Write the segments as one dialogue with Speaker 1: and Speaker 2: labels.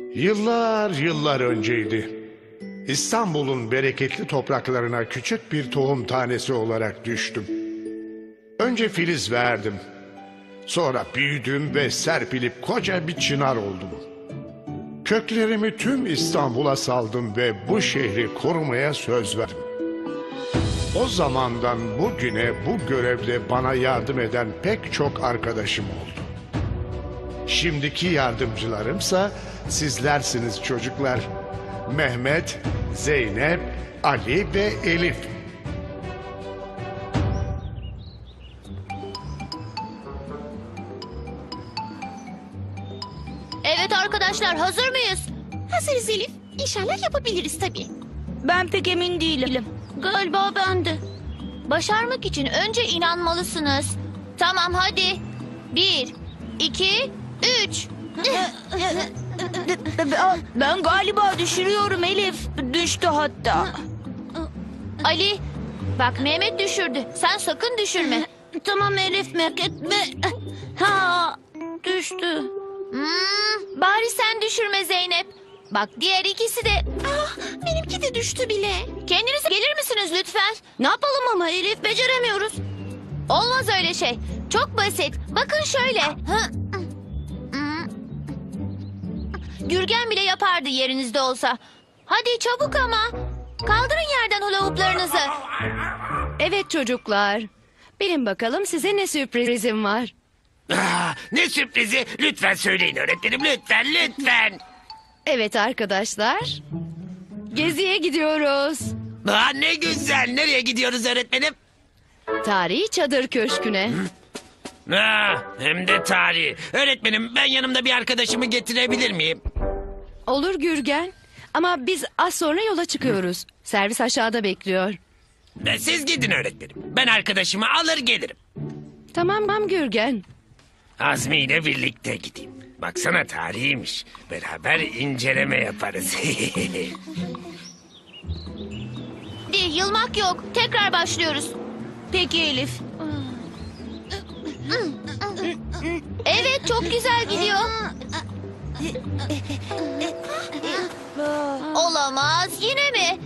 Speaker 1: Yıllar yıllar önceydi. İstanbul'un bereketli topraklarına küçük bir tohum tanesi olarak düştüm. Önce filiz verdim. Sonra büyüdüm ve serpilip koca bir çınar oldum. Köklerimi tüm İstanbul'a saldım ve bu şehri korumaya söz verdim. O zamandan bugüne bu görevde bana yardım eden pek çok arkadaşım oldu. Şimdiki yardımcılarımsa sizlersiniz çocuklar. Mehmet, Zeynep, Ali ve Elif.
Speaker 2: Evet arkadaşlar, hazır mıyız?
Speaker 3: Hazırız Elif. İnşallah yapabiliriz tabii.
Speaker 4: Ben pek emin değilim.
Speaker 2: Galiba ben de. Başarmak için önce inanmalısınız. Tamam hadi. 1, 2, 3.
Speaker 4: Ben galiba düşürüyorum Elif. Düştü hatta.
Speaker 2: Ali, bak Mehmet düşürdü. Sen sakın düşürme.
Speaker 3: Tamam Elif, merak etme. Ha, düştü.
Speaker 2: Bari sen düşürme Zeynep. Bak diğer ikisi de.
Speaker 3: Benimki de düştü bile.
Speaker 2: Kendiniz gelir misiniz lütfen?
Speaker 3: Ne yapalım ama Elif, beceremiyoruz.
Speaker 2: Olmaz öyle şey. Çok basit. Bakın şöyle. Gürgen bile yapardı yerinizde olsa. Hadi çabuk ama. Kaldırın yerden hula hooplarınızı.
Speaker 5: Evet çocuklar. Bilin bakalım size ne sürprizim var.
Speaker 6: Ne sürprizi? Lütfen söyleyin öğretmenim, lütfen.
Speaker 5: Evet arkadaşlar. Geziye gidiyoruz.
Speaker 6: Ne güzel. Nereye gidiyoruz öğretmenim?
Speaker 5: Tarihi Çadır Köşkü'ne.
Speaker 6: Hem de tarihi. Öğretmenim, ben yanımda bir arkadaşımı getirebilir miyim?
Speaker 5: Olur Gürgen. Ama biz az sonra yola çıkıyoruz. Servis aşağıda bekliyor.
Speaker 6: Siz gidin öğretmenim. Ben arkadaşımı alır gelirim.
Speaker 5: Tamam Gürgen.
Speaker 6: Azmi ile birlikte gideyim. Baksana, tarihiymiş. Beraber inceleme yaparız.
Speaker 2: Hadi yılmak yok. Tekrar başlıyoruz.
Speaker 4: Peki Elif.
Speaker 2: Evet çok güzel gidiyor. Olamaz yine mi?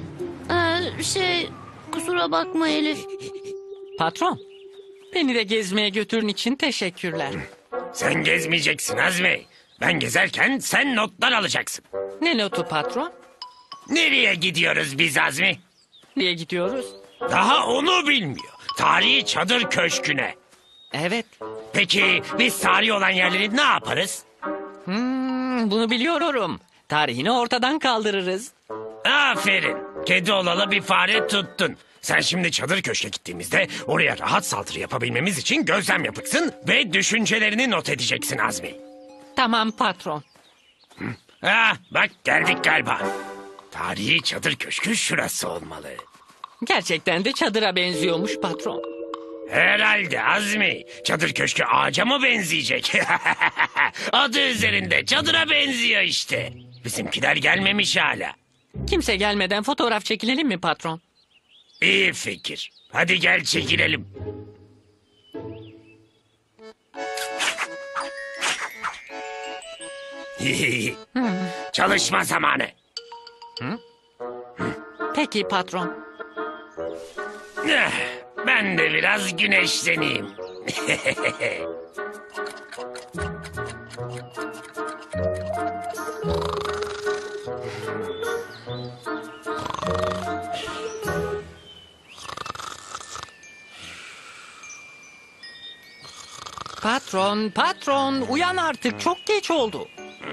Speaker 3: Kusura bakma Elif.
Speaker 7: Patron, beni de gezmeye götürün için teşekkürler.
Speaker 6: Sen gezmeyeceksin Azmi. Ben gezerken sen notlar alacaksın.
Speaker 7: Ne notu patron?
Speaker 6: Nereye gidiyoruz biz Azmi?
Speaker 7: Nereye gidiyoruz?
Speaker 6: Daha onu bilmiyor. Tarihi Çadır Köşkü'ne.
Speaker 7: Evet,
Speaker 6: Peki biz tarihi olan yerleri ne yaparız?
Speaker 7: bunu biliyorum. Tarihini ortadan kaldırırız.
Speaker 6: Aferin. Kedi olalı bir fare tuttun. Sen şimdi Çadır Köşk'e gittiğimizde oraya rahat saldırı yapabilmemiz için gözlem yapacaksın ve düşüncelerini not edeceksin Azmi.
Speaker 7: Tamam patron.
Speaker 6: Bak geldik galiba. Tarihi Çadır Köşkü şurası olmalı.
Speaker 7: Gerçekten de çadıra benziyormuş patron.
Speaker 6: Herhalde Azmi. Çadır Köşkü ağaca mı benzeyecek? Adı üzerinde çadıra benziyor işte. Bizimkiler gelmemiş hala.
Speaker 7: Kimse gelmeden fotoğraf çekilelim mi patron?
Speaker 6: İyi fikir. Hadi gel çekilelim. Çalışma zamanı.
Speaker 7: Peki patron.
Speaker 6: Ben de biraz güneşleneyim.
Speaker 7: Patron, uyan artık, çok geç oldu.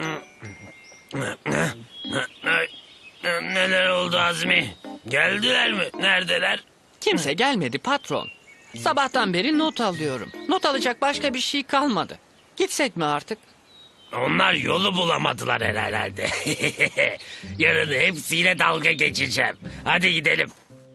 Speaker 6: Neler oldu Azmi? Geldiler mi? Neredeler?
Speaker 7: Kimse gelmedi patron. Sabahtan beri not alıyorum. Not alacak başka bir şey kalmadı. Gitsek mi artık?
Speaker 6: Onlar yolu bulamadılar herhalde. Yarın hepsiyle dalga geçeceğim. Hadi gidelim.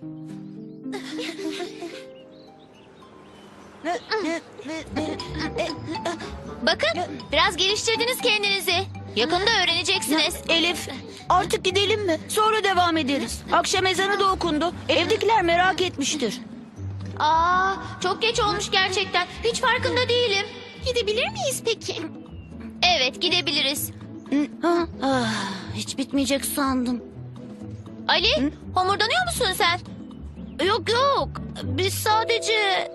Speaker 2: Bakın biraz geliştirdiniz kendinizi. Yakında öğreneceksiniz.
Speaker 4: Elif, artık gidelim mi? Sonra devam ederiz. Akşam ezanı da okundu. Evdekiler merak etmiştir.
Speaker 2: Çok geç olmuş gerçekten. Hiç farkında değilim.
Speaker 3: Gidebilir miyiz peki?
Speaker 2: Evet gidebiliriz.
Speaker 3: Hiç bitmeyecek sandım.
Speaker 2: Ali, homurdanıyor musun sen?
Speaker 3: Yok yok. Biz sadece...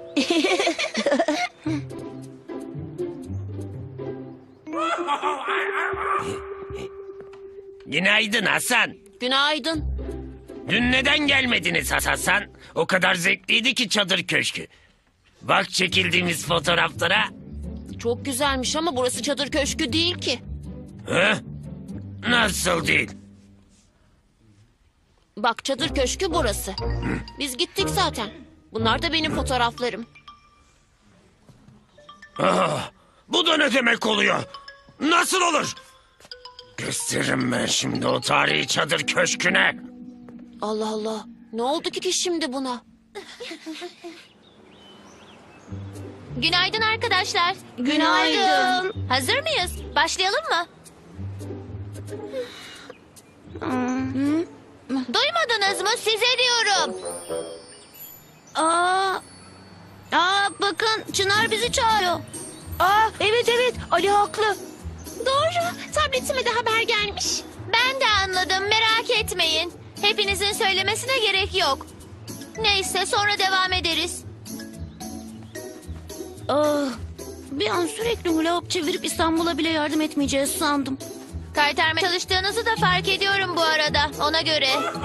Speaker 6: Günaydın Hasan.
Speaker 4: Günaydın.
Speaker 6: Dün neden gelmediniz Hasan? O kadar zevkliydi ki çadır köşkü. Bak çekildiğimiz fotoğraflara.
Speaker 4: Çok güzelmiş ama burası çadır köşkü değil ki.
Speaker 6: Hı? Nasıl değil?
Speaker 4: Bak çadır köşkü burası. Biz gittik zaten. Bunlar da benim fotoğraflarım.
Speaker 6: Bu da ne demek oluyor? Nasıl olur? Gösteririm ben şimdi o tarihi çadır köşküne.
Speaker 4: Allah Allah. Ne oldu ki şimdi buna?
Speaker 2: Günaydın arkadaşlar.
Speaker 3: Günaydın.
Speaker 2: Hazır mıyız? Başlayalım mı? Duymadınız mı? Size diyorum.
Speaker 3: Bakın Çınar bizi çağırıyor.
Speaker 4: Evet Ali haklı.
Speaker 2: Doğru. Tabletime de haber gelmiş. Ben de anladım. Merak etmeyin. Hepinizin söylemesine gerek yok. Neyse sonra devam ederiz.
Speaker 3: Bir an sürekli hula hop çevirip İstanbul'a bile yardım etmeyeceğiz sandım.
Speaker 2: Kaytarmaya çalıştığınızı da fark ediyorum bu arada. Ona göre.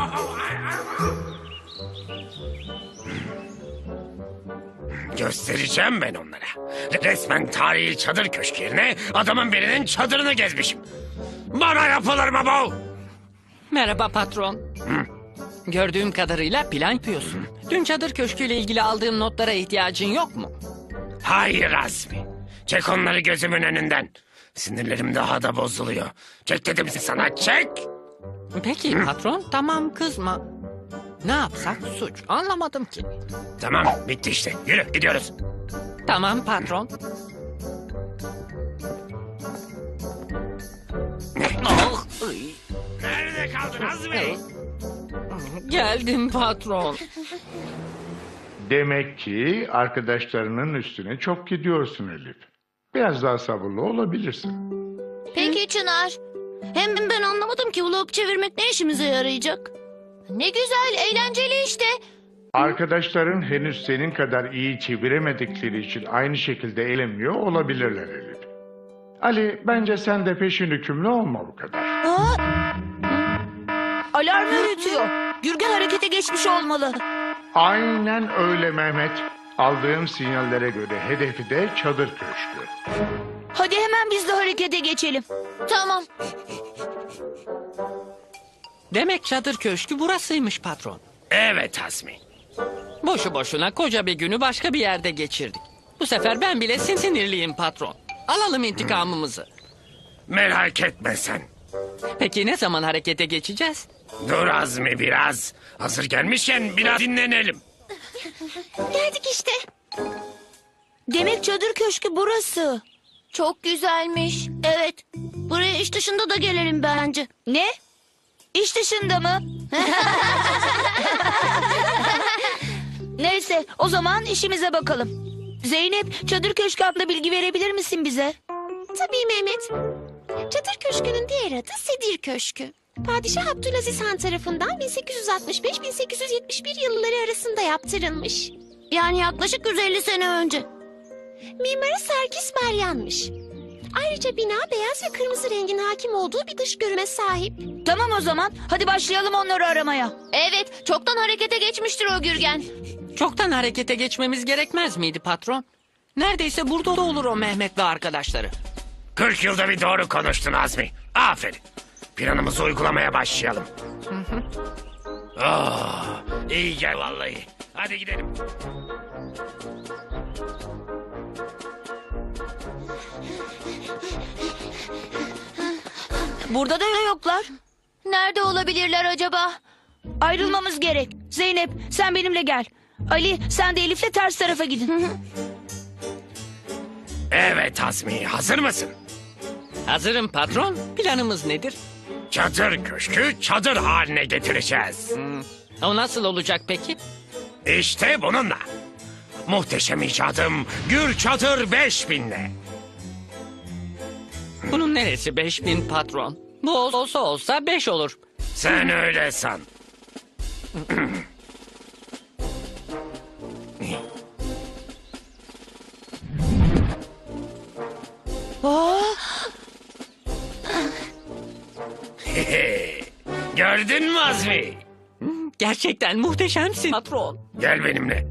Speaker 6: Göstereceğim ben onlara. Resmen tarihi çadır köşkü yerine adamın birinin çadırını gezmişim. Bana yapılır mı bu?
Speaker 7: Merhaba patron. Gördüğüm kadarıyla plan yapıyorsun. Dün çadır köşküyle ilgili aldığım notlara ihtiyacın yok mu?
Speaker 6: Hayır Azmi. Çek onları gözümün önünden. Sinirlerim daha da bozuluyor. Çek dedim sana, çek.
Speaker 7: Peki patron, tamam kızma. Ne yapsak suç, anlamadım ki.
Speaker 6: Tamam, bitti işte. Yürü, gidiyoruz.
Speaker 7: Tamam patron. Ah, ay.
Speaker 6: Nerede kaldın Azmi?
Speaker 7: Geldim patron.
Speaker 1: Demek ki arkadaşlarının üstüne çok gidiyorsun Elif. Biraz daha sabırlı olabilirsin.
Speaker 2: Peki Çınar.
Speaker 3: Hem ben anlamadım ki hula hop çevirmek ne işimize yarayacak?
Speaker 2: Ne güzel, eğlenceli işte.
Speaker 1: Arkadaşların henüz senin kadar iyi çeviremedikleri için aynı şekilde eğlenmiyor olabilirler Elif. Ali, bence sen de peşin hükümlü olma bu kadar.
Speaker 4: Alarm öğretiyor. Gürgen harekete geçmiş olmalı.
Speaker 1: Aynen öyle Mehmet. Aldığım sinyallere göre hedefi de çadır köşkü.
Speaker 4: Hadi hemen biz de harekete geçelim.
Speaker 2: Tamam.
Speaker 7: Demek çadır köşkü burasıymış patron.
Speaker 6: Evet Azmi.
Speaker 7: Boşu boşuna koca bir günü başka bir yerde geçirdik. Bu sefer ben bile sinirliyim patron. Alalım intikamımızı.
Speaker 6: Merak etme sen.
Speaker 7: Peki ne zaman harekete geçeceğiz?
Speaker 6: Dur Azmi biraz. Hazır gelmişken biraz dinlenelim.
Speaker 2: Geldik işte.
Speaker 4: Demek çadır köşkü burası.
Speaker 2: Çok güzelmiş.
Speaker 3: Evet. Buraya iş dışında da gelelim bence.
Speaker 4: Ne? İş dışında mı? Neyse o zaman işimize bakalım. Zeynep çadır köşkü hakkında bilgi verebilir misin bize?
Speaker 8: Tabii Mehmet. Çadır Köşkü'nün diğer adı Sedir Köşkü. Padişah Abdülaziz Han tarafından 1865-1871 yılları arasında yaptırılmış.
Speaker 3: Yani yaklaşık 150 sene önce.
Speaker 8: Mimarı Serkis Meryan'mış. Ayrıca bina beyaz ve kırmızı rengin hakim olduğu bir dış görüme sahip.
Speaker 4: Tamam o zaman hadi başlayalım onları aramaya.
Speaker 2: Evet, çoktan harekete geçmiştir o Gürgen.
Speaker 7: Çoktan harekete geçmemiz gerekmez miydi patron? Neredeyse burada da olur o Mehmet ve arkadaşları.
Speaker 6: 40 yılda bir doğru konuştun Azmi. Aferin. Planımızı uygulamaya başlayalım. İyi gel vallahi. Hadi gidelim.
Speaker 4: Burada da yoklar.
Speaker 2: Nerede olabilirler acaba?
Speaker 4: Ayrılmamız gerek. Zeynep sen benimle gel. Ali sen de Elif'le ters tarafa gidin.
Speaker 6: Evet Azmi, hazır mısın?
Speaker 7: Hazırım patron. Planımız nedir?
Speaker 6: Çadır köşkü çadır haline getireceğiz.
Speaker 7: O nasıl olacak peki?
Speaker 6: İşte bununla. Muhteşem icadım Gür Çadır 5000'le.
Speaker 7: Bunun neresi 5000 patron? Bu olsa 5 olur.
Speaker 6: Sen öyle san. Gördün mü Azmi?
Speaker 7: Gerçekten muhteşemsin patron.
Speaker 6: Gel benimle.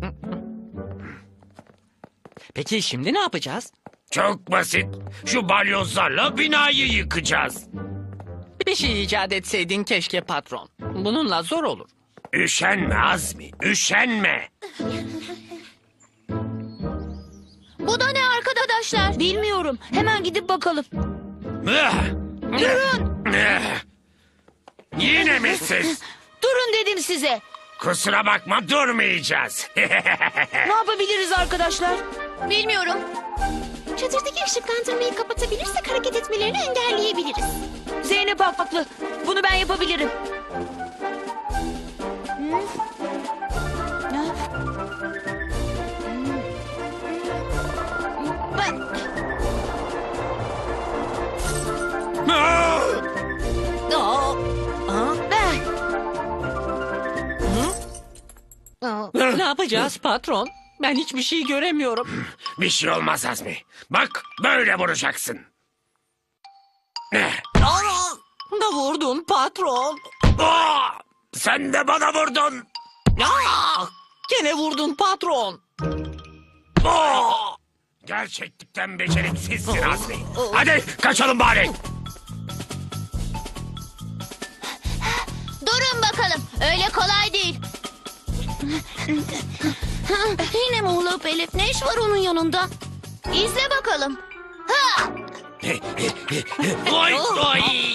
Speaker 7: Peki şimdi ne yapacağız?
Speaker 6: Çok basit. Şu balyozlarla binayı yıkacağız.
Speaker 7: Bir şey icat etseydin keşke patron. Bununla zor olur.
Speaker 6: Üşenme Azmi, üşenme.
Speaker 2: Bu da ne arkadaşlar?
Speaker 4: Bilmiyorum. Hemen gidip bakalım.
Speaker 6: Durun. Yine mi siz?
Speaker 4: Durun dedim size.
Speaker 6: Kusura bakma, durmayacağız.
Speaker 4: Ne yapabiliriz arkadaşlar?
Speaker 2: Bilmiyorum.
Speaker 8: Çadırdaki ışıklandırmayı kapatabilirsek hareket etmelerini engelleyebiliriz.
Speaker 4: Zeynep haklı. Bunu ben yapabilirim.
Speaker 7: Ne yapacağız patron? Ben hiçbir şey göremiyorum.
Speaker 6: Bir şey olmaz Azmi. Bak, böyle vuracaksın.
Speaker 7: Da vurdun patron.
Speaker 6: Aa! Sen de bana vurdun.
Speaker 7: Gene vurdun patron.
Speaker 6: Aa! Gerçekten beceriksizsin Azmi. Hadi kaçalım bari.
Speaker 2: Durun bakalım. Öyle kolay değil.
Speaker 3: Yine mi hula hoop Elif? Ne iş var onun yanında?
Speaker 2: İzle bakalım. Ha!
Speaker 6: Oy oy.